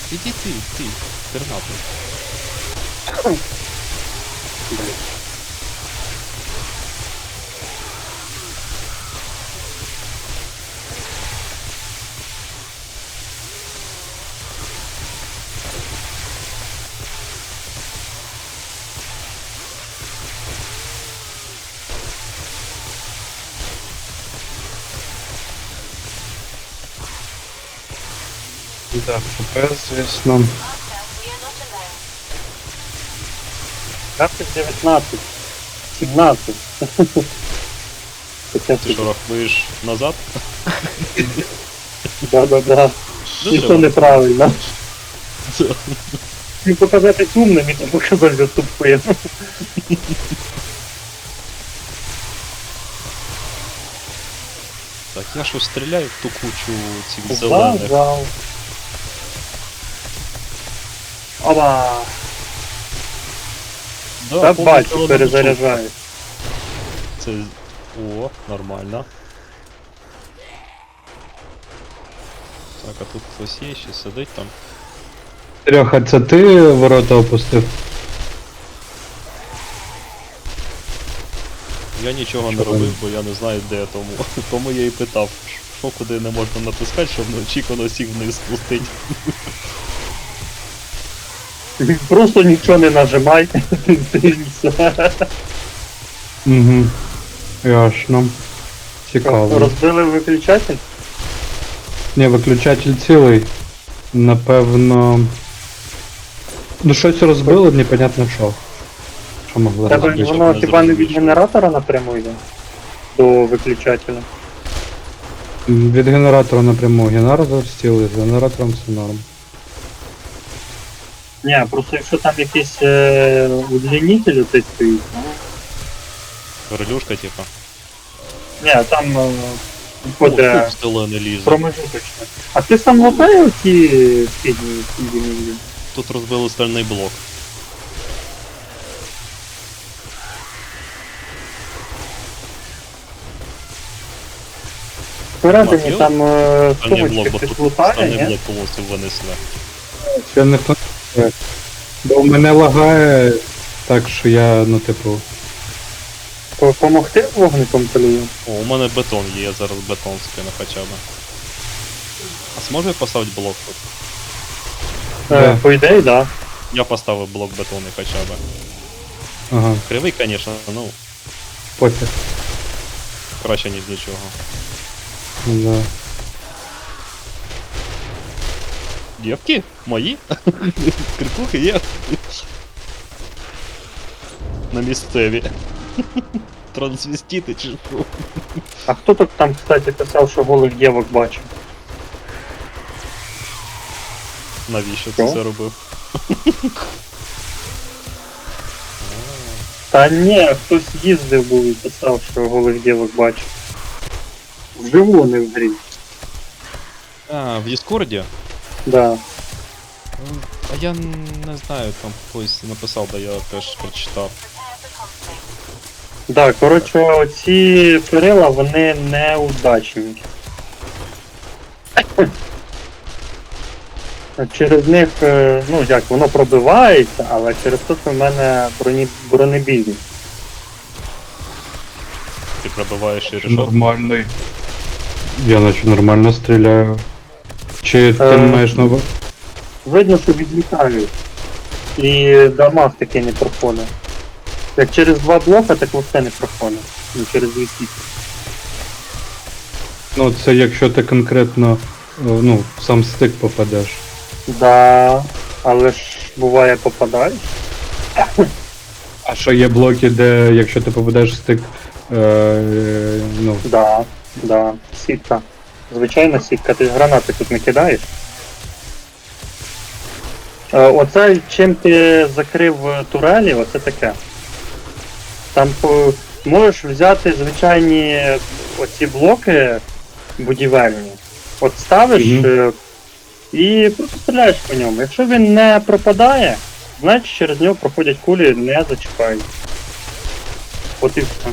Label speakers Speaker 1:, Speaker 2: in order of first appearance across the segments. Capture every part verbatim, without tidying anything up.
Speaker 1: Іди ти, ти, тернатий.
Speaker 2: Да, ФПС, звісно.
Speaker 3: Двадцять дев'ятнадцять. сімнадцять. Хоча
Speaker 1: Ти що, рахуєш назад?
Speaker 3: Да-да-да. І то неправильно. Не показати умним, і то показати тупим.
Speaker 1: Так, я що стріляю в ту кучу цих зелених.
Speaker 3: Зал. Оба!
Speaker 1: Да,
Speaker 3: Та
Speaker 1: повний
Speaker 3: бачу,
Speaker 1: зелений
Speaker 3: перезаряджаю.
Speaker 1: Це... О, нормально. Так, а тут хтось є, ще сидить там.
Speaker 2: Серега, це ти ворота опустив?
Speaker 1: Я нічого не
Speaker 2: Що
Speaker 1: робив,
Speaker 2: там?
Speaker 1: бо я не знаю, де я тому. Тому я і питав, що куди не можна натискати, щоб неочікувано всіх вниз спустить.
Speaker 3: Просто нічого не нажимай. І все.
Speaker 2: Угу. Ясно. Цікаво.
Speaker 3: Розбили виключатель?
Speaker 2: Ні, виключатель цілий. Напевно. Ну щось розбило, непонятно що. Що могло
Speaker 3: Тебе
Speaker 2: розбити?
Speaker 3: воно
Speaker 1: не
Speaker 3: хіба не від
Speaker 1: зрозумів.
Speaker 3: генератора напряму йде? До виключателя.
Speaker 2: Від генератора напряму. Генератор цілий, з генератором все норм.
Speaker 3: Ні, просто якщо там якийсь е, удлінитель оцей стоїть, ну,
Speaker 1: Релюшка, типа.
Speaker 3: ні, там е,
Speaker 1: О,
Speaker 3: буде
Speaker 1: тут зелений лізе.
Speaker 3: промежуточне. А ти сам латає оці східні східні?
Speaker 1: Тут розбили стальний блок.
Speaker 3: Всередині
Speaker 1: Матіо?
Speaker 3: там е,
Speaker 1: Стальний блок,
Speaker 3: сумочки
Speaker 1: бо
Speaker 3: хтось
Speaker 1: тут
Speaker 3: лутає,
Speaker 1: стальний
Speaker 3: ні?
Speaker 1: блок повністю винесли.
Speaker 2: Ще ніхто не знає. Бо мене лагає так, що я, ну типу.
Speaker 3: По- Помогти вогником полію?
Speaker 1: О, у мене бетон є, я зараз бетон скину хоча б. А зможу я поставити блок тут?
Speaker 3: Е,
Speaker 2: Да.
Speaker 3: по ідеї, да.
Speaker 1: Я поставив блок бетону хоча б.
Speaker 2: Ага,
Speaker 1: Кривий, звісно, ну,
Speaker 2: пофіг.
Speaker 1: краще, ніж нічого.
Speaker 2: Да.
Speaker 1: Дівки? Мої? Крикухи є? На місцеві. Трансвестити чи що?
Speaker 3: А хто тут там, кстати, писав, що голих дівок бачив?
Speaker 1: Навіщо
Speaker 3: Що?
Speaker 1: ти це робив?
Speaker 3: Та ні, хтось їздив був і писав, що голих дівок бачив. Вживу, не в грі.
Speaker 1: А, в Діскорді?
Speaker 3: Да.
Speaker 1: Ну, А я не знаю, там хтось написав, да я теж прочитав.
Speaker 3: Да, коротше, оці перила, вони неудачні. Через них, е, ну як, воно пробивається, але через те, що в мене броні, бронебійні.
Speaker 1: Ти пробиваєш і решетку.
Speaker 2: Нормальний. Я наче нормально стріляю. Чи ти
Speaker 3: Е,
Speaker 2: маєш на увазі?
Speaker 3: Видно, що відлітають. І дамаг таки не проходить. Як через два блока, так все не проходить. Ну, через дві сітки.
Speaker 2: Ну це якщо ти конкретно е, ну, в сам стик попадеш.
Speaker 3: Да, але ж буває попадаєш.
Speaker 2: А що є блоки, де якщо ти попадеш в стик, е, е, ну,
Speaker 3: Да, да, сітка. Звичайна сітка, ти ж гранати тут не кидаєш. Е, Оце чим ти закрив турелі, оце таке. Там по- можеш взяти звичайні оці блоки будівельні. От ставиш
Speaker 2: Мгм.
Speaker 3: е, і просто стріляєш по ньому. Якщо він не пропадає, значить через нього проходять кулі, не зачіпають. От і все.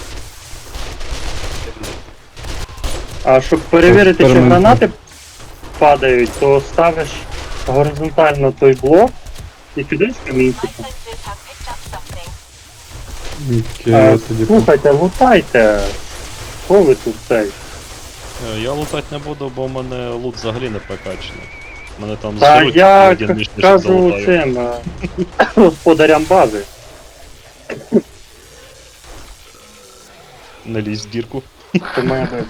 Speaker 3: А щоб перевірити, чи
Speaker 2: Експеримент.
Speaker 3: гранати падають, то ставиш горизонтально той блок і кидаєш камінчиком.
Speaker 2: Окей,
Speaker 3: Е,
Speaker 2: я тоді...
Speaker 3: Слухайте, лутайте. Що ви тут цей?
Speaker 1: Е, Я лутати не буду, бо в мене лут взагалі не прокачаний. Мене там
Speaker 3: Та
Speaker 1: зжируть,
Speaker 3: я
Speaker 1: один
Speaker 3: к-
Speaker 1: ніж не
Speaker 3: кажу
Speaker 1: залутаю.
Speaker 3: цим е, господарям бази.
Speaker 1: Не лізь в дірку.
Speaker 3: Це моя база.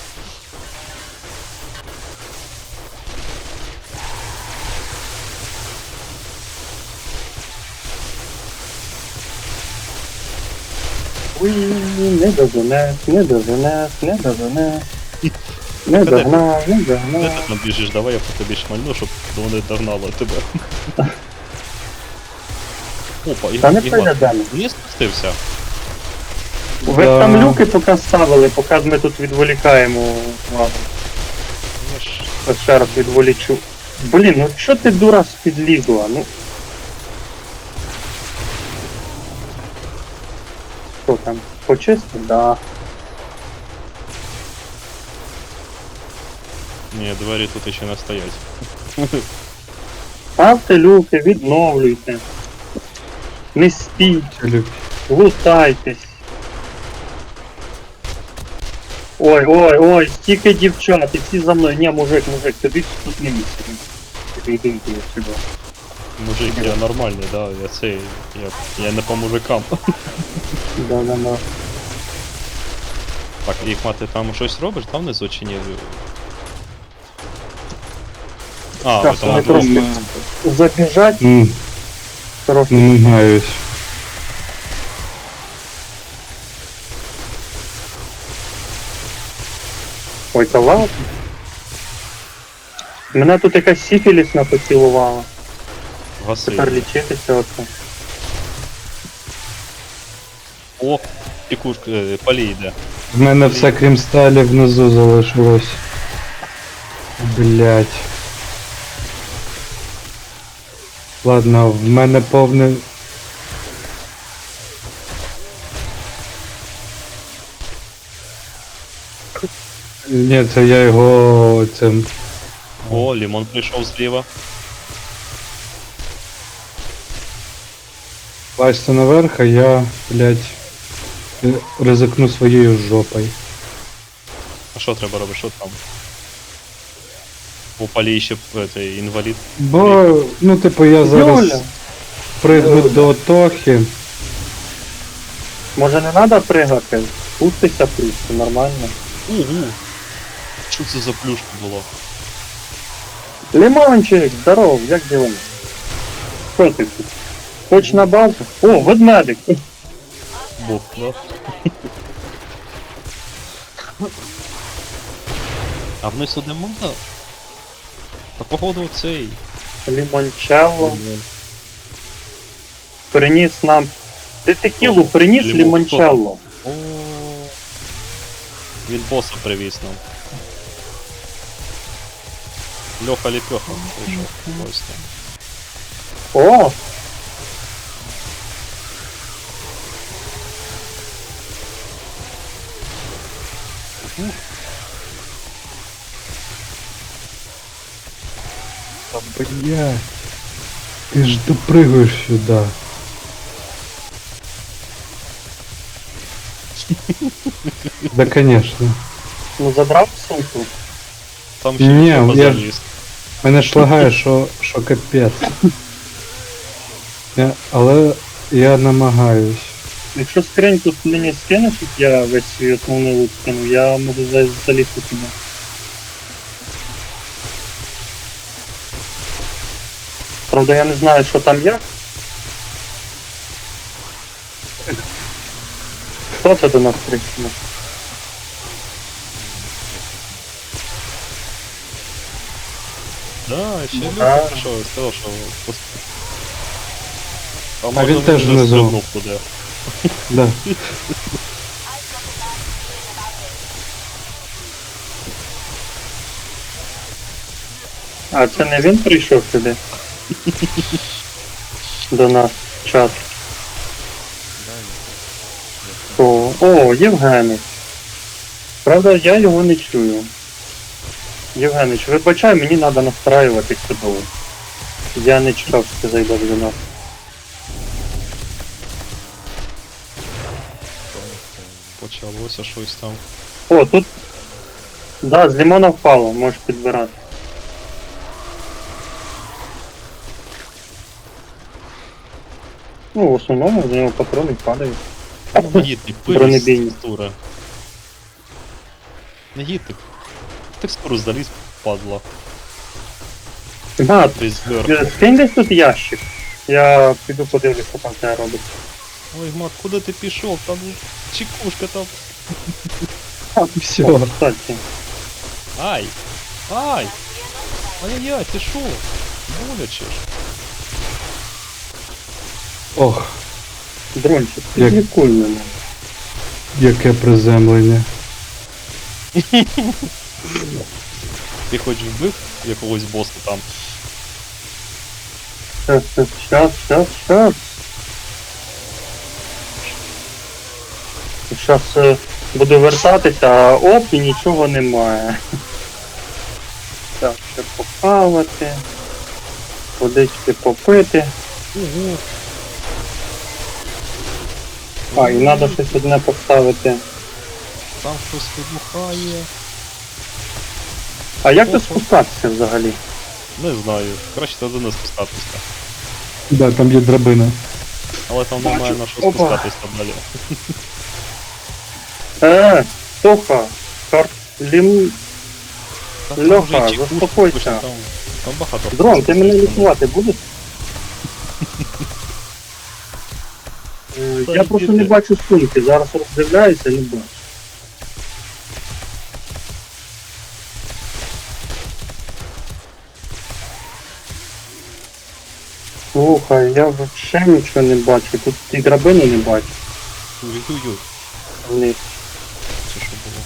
Speaker 3: Уй, не доженеш, не доженеш, не доженеш. Не догнав, не
Speaker 1: Де
Speaker 3: догнав.
Speaker 1: ти там біжиш, давай я по тобі шмальну, щоб вони догнали тебе. Опа,
Speaker 3: Та не
Speaker 1: Ігор, Ігор,
Speaker 3: перейдемо.
Speaker 1: не спустився.
Speaker 3: Ви
Speaker 2: Да.
Speaker 3: там люки поки ставили, поки ми тут відволікаємо увагу.
Speaker 1: Я ж...
Speaker 3: Ось ще раз відволічу. Блін, ну що ти дура підлізла? Ну. Що там? Почистив? Да.
Speaker 1: Ні, двері тут ще не стоять.
Speaker 3: Ставте люки, відновлюйте. Не спіть,
Speaker 2: Філіп.
Speaker 3: лутайтесь. Ой, ой, ой, стільки дівчат, і всі за мною. Ні, мужик, мужик, тобі тут не місце. Іди, іди, іди сюди.
Speaker 1: Мужик, я нормальний, да, я цей, я, я не по мужикам.
Speaker 3: Да, да, да.
Speaker 1: Так, Ігма, ти там щось робиш, там внизу чи ні? А, ви
Speaker 3: Так,
Speaker 1: там
Speaker 3: ми
Speaker 1: одну-
Speaker 3: трошки забіжать,
Speaker 2: М,
Speaker 3: трохи.
Speaker 2: Намагаюсь.
Speaker 3: Ой, та ладно. Мене тут якась сіфілісна поцілувала.
Speaker 1: гаси.
Speaker 3: Тепер лічитися оце.
Speaker 1: О, тікушка, е, палі йде.
Speaker 2: В мене все крім сталі внизу залишилось. Блять. Ладно, в мене повне. Ні, це я його цим.
Speaker 1: О, Лімон прийшов зліва.
Speaker 2: Лазьте наверх, а я, блять, ризикну своєю жопою.
Speaker 1: А що треба робити, що там? У палі ще е, цей інвалід.
Speaker 2: Бо, ну, типу, я зараз
Speaker 3: Юля,
Speaker 2: пригну до Тохи.
Speaker 3: може не треба пригати? Пустися просто, нормально.
Speaker 1: Угу. Що це за плюшка була?
Speaker 3: Лимончик, здоров, як діла? Що ти тут? Хоч на базу? О, ведмедик!
Speaker 1: Бог, да? А вниз сюди можна? Та походу цей.
Speaker 3: Лімончелло. Приніс нам. Ти текілу приніс
Speaker 1: Лімон.
Speaker 3: лімончелло.
Speaker 1: О. Він боса привіз нам. Льоха Ліпьоха прийшов. Ось там.
Speaker 3: О!
Speaker 2: А, блядь. Ты ж допрыгаешь сюда. Да, конечно.
Speaker 3: Ну забрав сумку.
Speaker 1: Там ще
Speaker 2: Ні,
Speaker 1: Льоха
Speaker 2: я-
Speaker 1: заліз.
Speaker 2: Мене шлагає, що, що капець. Я, але я намагаюсь.
Speaker 3: Якщо скриньку мені скинеш, як я весь свій основний лут скину, я можу за- залізти туди. Правда, я не знаю, що там як. Хто це до нас прийшов?
Speaker 1: Да, ще
Speaker 3: Ну,
Speaker 1: Льоха
Speaker 3: да.
Speaker 1: прийшов і сказав, що... пос- А,
Speaker 2: А
Speaker 1: може
Speaker 2: він
Speaker 1: він
Speaker 2: теж
Speaker 1: вже
Speaker 2: внизу.
Speaker 1: стрибнув туди.
Speaker 2: Да.
Speaker 3: А це не він прийшов сюди? До нас в чат. О, о, Євгений. Правда, я його не чую. Євгенич, вибачай, мені треба настраювати чудово. Я не чекав, що ти зайдеш до нас.
Speaker 1: Почалося щось там.
Speaker 3: О, тут. Да, з лимона впало, можеш підбирати. Ну, в основному з нього патрони падають.
Speaker 1: Ну, негідний, пилі
Speaker 3: Бронебійні.
Speaker 1: текстура. Негідник. Текстуру заліз, падла.
Speaker 3: Га,
Speaker 1: Десь зверху.
Speaker 3: скинь десь тут ящик. Я піду подивлюсь, що там це робить.
Speaker 1: Ой, мат, куди ти пішов? Там чекушка там.
Speaker 2: Все.
Speaker 3: О, кстати.
Speaker 1: Ай! Ай! Ай-яй-яй, ти шо? Боляче ж.
Speaker 2: Ох,
Speaker 3: Дрончик,
Speaker 2: Як-
Speaker 3: підлікуй мене.
Speaker 2: яке приземлення.
Speaker 1: Ти хоч вбив якогось боса там?
Speaker 3: Щас, щас, щас, щас, щас. Щас е, буду вертатися, а оп, і нічого немає. Так, ще похавати. Водички попити.
Speaker 1: Ого!
Speaker 3: А, і треба щось одне поставити.
Speaker 1: Там щось вибухає.
Speaker 3: А як тут
Speaker 1: Опа.
Speaker 3: спускатися взагалі?
Speaker 1: Не знаю. Краще туди не спускатися.
Speaker 2: Да, там є драбина.
Speaker 1: Але там
Speaker 3: Бачу.
Speaker 1: немає на що
Speaker 3: Опа.
Speaker 1: спускатися далі.
Speaker 3: Е, Тоха, кар... Лім...
Speaker 1: Та там
Speaker 3: Льоха,
Speaker 1: вже і чекушки,
Speaker 3: заспокойся.
Speaker 1: пише, Там, там багато.
Speaker 3: Дрон, ти мене лікувати будеш? Е, Я просто не бачу сумки, зараз роздивляюся, не бачу. Слухай, я взагалі нічого не бачу, тут і драбини не бачу.
Speaker 1: Ой-ой-ой,
Speaker 3: Вниз.
Speaker 1: це що було?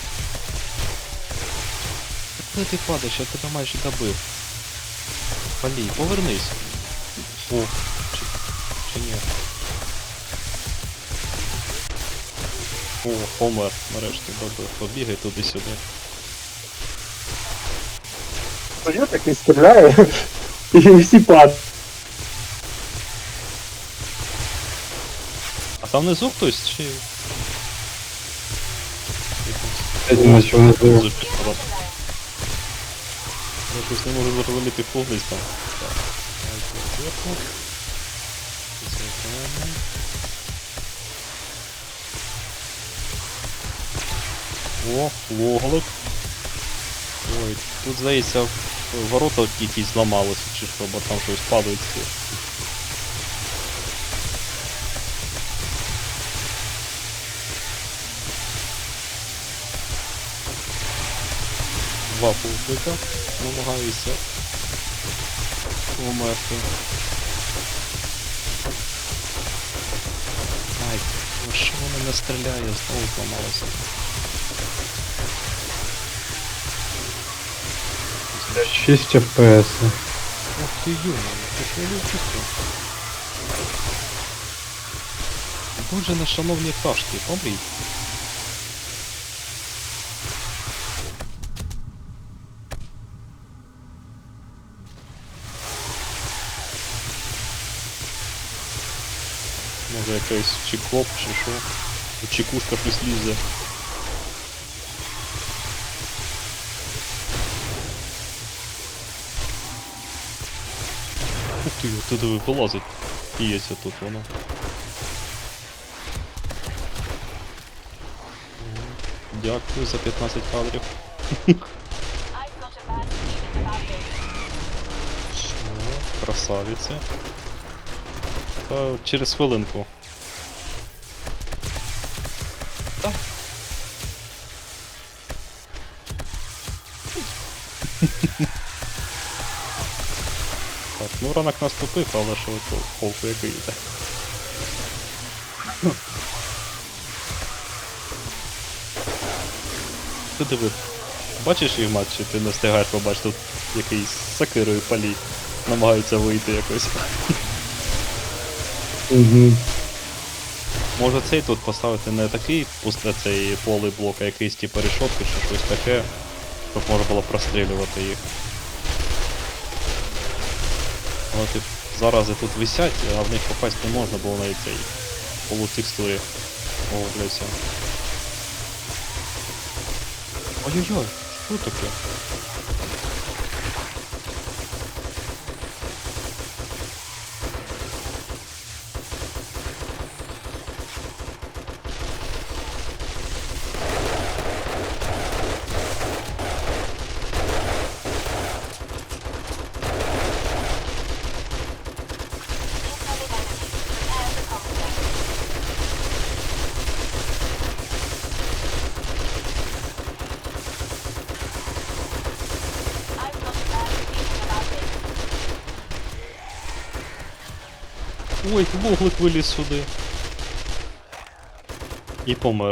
Speaker 1: Куди ти падаєш? Я тебе майже добив. Палій, повернись. О, чи, чи ні? О, помер, нарешті добив. Побігай туди-сюди.
Speaker 3: Я так не стріляю, і всі падають.
Speaker 1: А там внизу хтось чи...
Speaker 2: Я думаю, що вона знову.
Speaker 1: Я щось не можу зрозуміти, хто вниз там. Так, давайте зверху. Зайдемо. О, логолик. Ой, тут, здається, ворота якісь зламалися, чи що, бо там щось падають. Два пулпика, намагаюся померти. Ай, ну що воно не стріляє, знову зламалося.
Speaker 2: шість еф пі ес.
Speaker 1: Ух ти йома, ти що любите? Дуже нешановні пташки, помріть. Може якийсь чекоп чи що? Тут чекушка щось лізе. Ух ти, туди вилазить. Піється тут воно. Дякую за п'ятнадцять кадрів. О, красавиці. Та через хвилинку. Та. Так, ну ранок наступив, але що то холку який йде. Ти диви, бачиш їх матч, чи ти не встигаєш побачити, тут якийсь з сакирою палій намагається вийти якось.
Speaker 2: Угу.
Speaker 1: Може цей тут поставити не такий пусте цей полий блок, а якийсь типу решотки чи щось таке. щоб можна було прострілювати їх. От і зарази тут висять, а в них попасть не можна, бо вони цей полутекстурі оговляються. Ой-ой-ой, що таке? Ой, вуглик виліз сюди. І помер.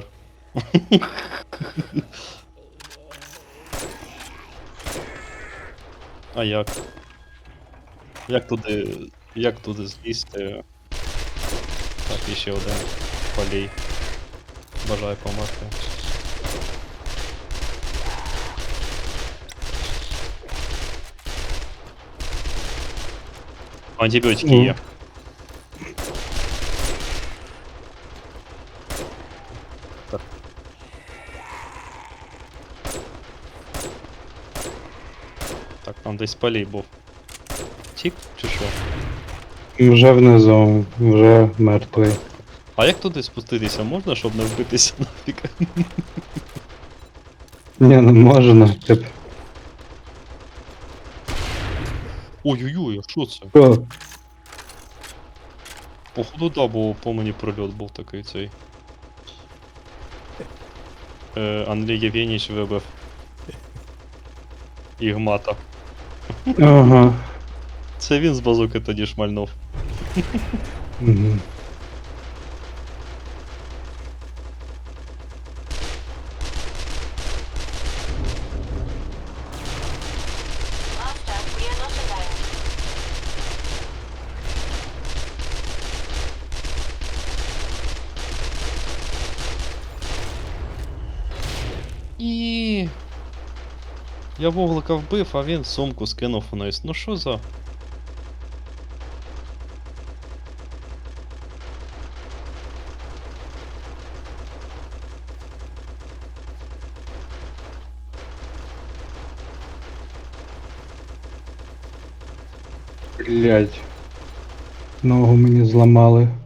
Speaker 1: А як? Як туди. Як туди злізти? Так, і ще один полій. Бажаю померти. Антибіотики
Speaker 2: Ну.
Speaker 1: є. Так. Так, там десь полій був. Тік чи що?
Speaker 2: Вже внизу, вже мертвий.
Speaker 1: А як туди спуститися можна, щоб не вбитися нафіг?
Speaker 2: Ні, не можна. Тип.
Speaker 1: Ой-ой-ой, а що це?
Speaker 2: Що?
Speaker 1: Походу, да, бо по мені прольот був такий цей. Е, Андрій Євгенійович вибив. Ігмата.
Speaker 2: Ага.
Speaker 1: Це він з базуки тоді шмальнув.
Speaker 2: Угу.
Speaker 1: І я вуглика вбив, а він сумку скинув вниз. Ну що за.
Speaker 2: Блять. Ногу мені зламали.